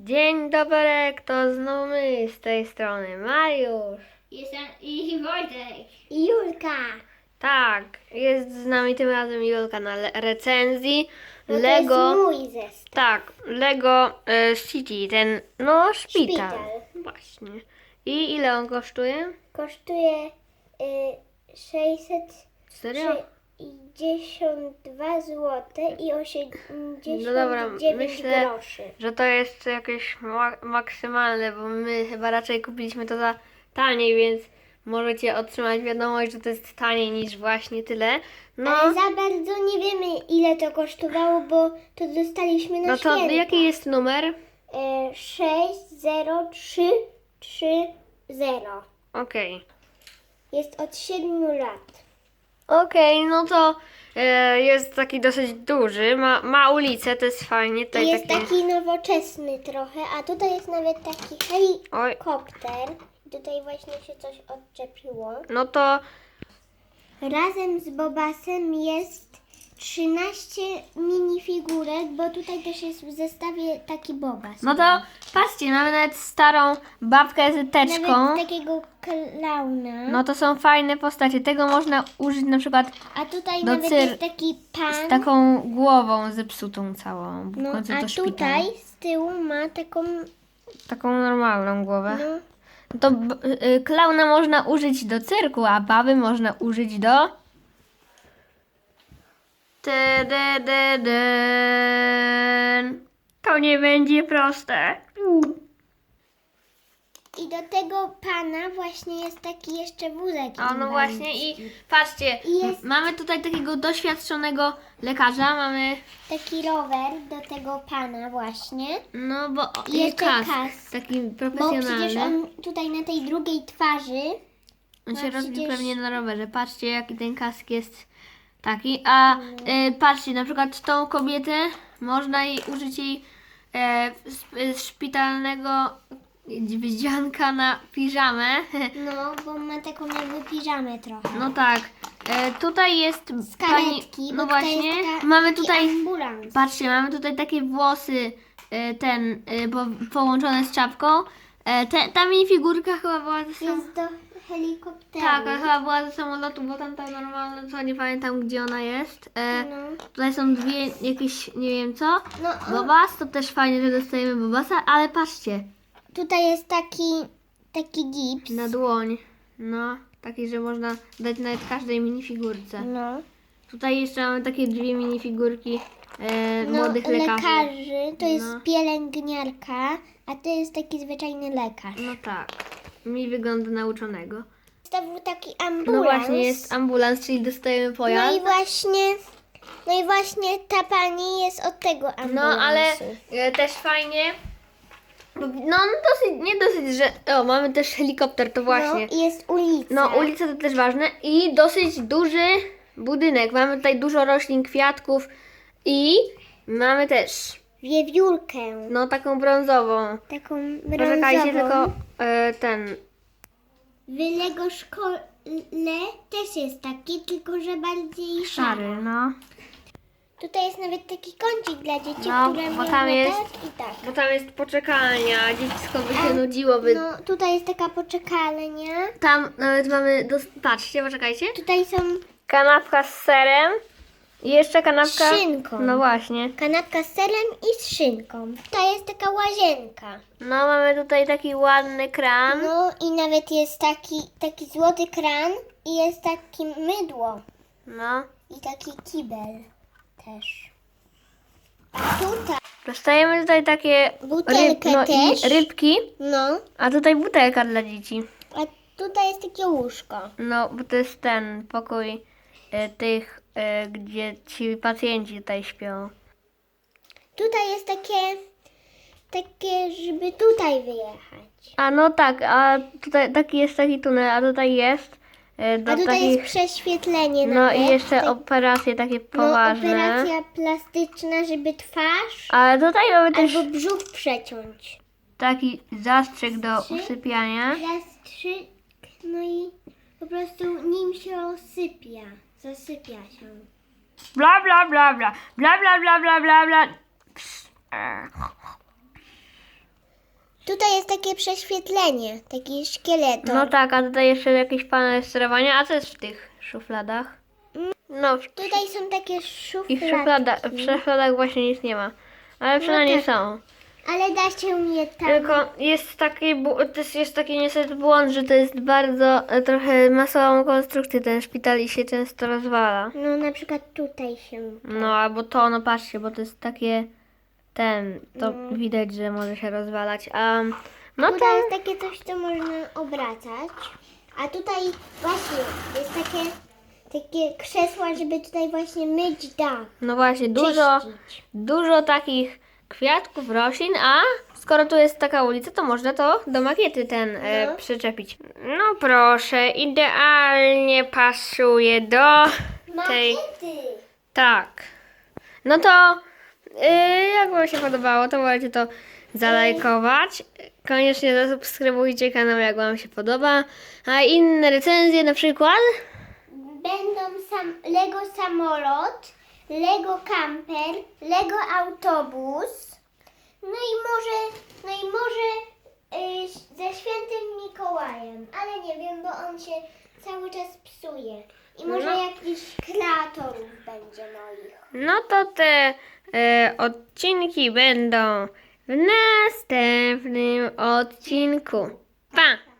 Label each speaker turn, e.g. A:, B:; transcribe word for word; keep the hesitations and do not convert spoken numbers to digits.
A: Dzień dobry, to znowu my z tej strony, Mariusz.
B: Jestem i Wojtek.
C: I Julka.
A: Tak, jest z nami tym razem Julka na le- recenzji
C: No
A: Lego.
C: To jest mój zestaw.
A: Tak, Lego e, City, ten, no, szpital.
C: Szpital.
A: Właśnie. I ile on kosztuje?
C: Kosztuje y, sześćset
A: Serio?
C: sześćdziesiąt dwa złote i osiemdziesiąt
A: No dobra,
C: dziewięć
A: myślę,
C: groszy.
A: że to jest jakieś ma- maksymalne, bo my chyba raczej kupiliśmy to za taniej, więc możecie otrzymać wiadomość, że to jest taniej niż właśnie tyle. No,
C: Ale za bardzo nie wiemy, ile to kosztowało, bo to dostaliśmy na
A: no to
C: święta.
A: jaki jest numer?
C: Y, sześć zero trzy trzy zero.
A: Okej.
C: Jest od siedmiu lat.
A: Okej, no to e, jest taki dosyć duży, ma, ma ulicę, to jest fajnie. Tutaj
C: I jest
A: takie...
C: taki nowoczesny trochę, a tutaj jest nawet taki
A: Oj,
C: helikopter. I tutaj właśnie się coś odczepiło.
A: no to
C: Razem z Bobasem jest trzynaście minifigurek, bo tutaj też jest w zestawie taki Bobas.
A: No to patrzcie, mamy nawet starą babkę z teczką.
C: Nawet takiego klauna.
A: No to są fajne postacie. Tego można użyć na przykład
C: A tutaj
A: do
C: nawet
A: cyr-
C: jest taki pan.
A: z taką głową zepsutą całą. W
C: no,
A: końcu to
C: a
A: szpital.
C: tutaj z tyłu ma taką,
A: Taką normalną głowę.
C: no,
A: To b- y, klauna można użyć do cyrku, a baby można użyć do... Tadadadyn. To nie będzie proste.
C: i do tego pana właśnie jest taki jeszcze wózek.
A: A no właśnie i patrzcie,
C: I jest-
A: m- mamy tutaj takiego doświadczonego lekarza, mamy,
C: Taki rower do tego pana właśnie.
A: no bo o,
C: I jeszcze
A: kask,
C: kask.
A: taki
C: Bo
A: profesjonalny.
C: przecież on tutaj na tej drugiej twarzy,
A: On się
C: no
A: rozbił
C: przecież-
A: pewnie na rowerze. Patrzcie, jaki ten kask jest taki. A
C: No.
A: e, patrzcie, na przykład tą kobietę można jej użyć jej e, z, z szpitalnego wdzianka na piżamę.
C: no bo ma taką jakby piżamę trochę.
A: No tak. E, tutaj jest
C: Z karetki,
A: no
C: bo tutaj
A: właśnie.
C: jest taka,
A: Mamy
C: taki
A: tutaj.
C: ambulans.
A: Patrzcie, mamy tutaj takie włosy, e, ten, e, po, połączone z czapką. E, te, ta minifigurka chyba była ze sam...
C: Jest do helikopteru.
A: Tak, a chyba była ze samolotu, bo tam ta normalna, co nie pamiętam gdzie ona jest. E,
C: No,
A: Tutaj są dwie jakieś, nie wiem co.
C: no o,
A: Bobas, to też fajnie, że dostajemy Bobasa, ale patrzcie,
C: tutaj jest taki, taki gips.
A: na dłoń. No, taki, że można dać nawet każdej minifigurce.
C: No,
A: Tutaj jeszcze mamy takie dwie minifigurki e,
C: no
A: młodych lekarzy.
C: lekarzy, to jest
A: No.
C: pielęgniarka, a to jest taki zwyczajny lekarz.
A: No tak, mi wygląda nauczonego.
C: To był taki
A: No
C: ambulans.
A: właśnie, jest ambulans, czyli dostajemy
C: No
A: pojazd.
C: i właśnie, no i właśnie ta pani jest od tego ambulansu.
A: No, ale e, też fajnie. bo- No, dosyć, nie dosyć, że. O, mamy też helikopter, to właśnie.
C: No i jest ulica.
A: No, ulica to też ważne. I dosyć duży budynek. Mamy tutaj dużo roślin, kwiatków i mamy też,
C: Wiewiórkę.
A: no, taką brązową.
C: Taką
A: Poczekajcie,
C: brązową.
A: tylko e, ten.
C: W Lego szkole też jest taki, tylko że bardziej szary.
A: Szary, no.
C: Tutaj jest nawet taki kącik dla dzieci,
A: No,
C: które
A: bo
C: można
A: tam jest-
C: tak i tak.
A: Bo tam jest poczekalnia, dziecko by się nudziło, by...
C: No, tutaj jest taka poczekalnia.
A: Tam nawet mamy, dos- patrzcie, poczekajcie.
C: Tutaj są
A: Kanapka z serem i jeszcze kanapka...
C: Z szynką.
A: No właśnie.
C: kanapka z serem i z szynką. Tutaj jest taka łazienka.
A: No mamy tutaj taki ładny kran.
C: No i nawet jest taki, taki złoty kran i jest takie mydło.
A: No.
C: I taki kibel też. A tutaj,
A: Dostajemy tutaj takie
C: Butelkę
A: no i
C: też.
A: rybki,
C: no,
A: a tutaj butelka dla dzieci.
C: a tutaj jest takie łóżko.
A: No, bo to jest ten pokój e, tych, e, gdzie ci pacjenci tutaj śpią.
C: Tutaj jest takie, takie, żeby tutaj wyjechać.
A: A no tak, a tutaj taki jest taki tunel, a tutaj jest e, do
C: A tutaj
A: takich...
C: jest prześwietlenie
A: No
C: nawet.
A: i jeszcze
C: Tak-
A: operacje takie
C: no,
A: poważne.
C: operacja plastyczna, żeby twarz
A: Ale tutaj mamy też
C: albo brzuch przeciąć.
A: taki zastrzyk do
C: Trzy.
A: usypiania.
C: Zastrzyk, no i po prostu nim się osypia. Zasypia się.
A: Bla bla bla bla. Bla bla bla bla bla bla. Psz, e.
C: tutaj jest takie prześwietlenie, taki szkieleton.
A: No tak, a tutaj jeszcze jakieś panele sterowania, a co jest w tych szufladach? No, w,
C: Tutaj są takie
A: i w,
C: szufladki,
A: szuflada, w szufladach właśnie nic nie ma. Ale przynajmniej
C: tak.
A: są.
C: ale da się je tam...
A: Tylko jest taki, bu- to jest, jest taki niestety błąd, że to jest bardzo, e, trochę ma słabą konstrukcję ten szpital i się często rozwala.
C: No na przykład tutaj się...
A: No albo to, no patrzcie, bo to jest takie, ten, to widać, że może się rozwalać. A no to,
C: Tutaj jest takie coś, co można obracać. A tutaj właśnie jest takie, takie krzesła, żeby tutaj właśnie myć dach.
A: no właśnie, dużo,
C: czyścić.
A: dużo takich kwiatków, roślin, a skoro tu jest taka ulica, to można to do makiety ten e,
C: No.
A: przyczepić. No proszę, idealnie pasuje do tej...
C: Makiety!
A: Tak. No to yy, jak wam się podobało, to możecie to zalajkować. Koniecznie zasubskrybujcie kanał, jak wam się podoba. A inne recenzje na przykład?
C: Będą sam, Lego samolot, Lego camper, Lego autobus. No i może, no i może y, ze świętym Mikołajem, ale nie wiem, bo on się cały czas psuje. I może
A: No.
C: jakiś kreatorów będzie moich.
A: No to te e, odcinki będą w następnym odcinku. Pa!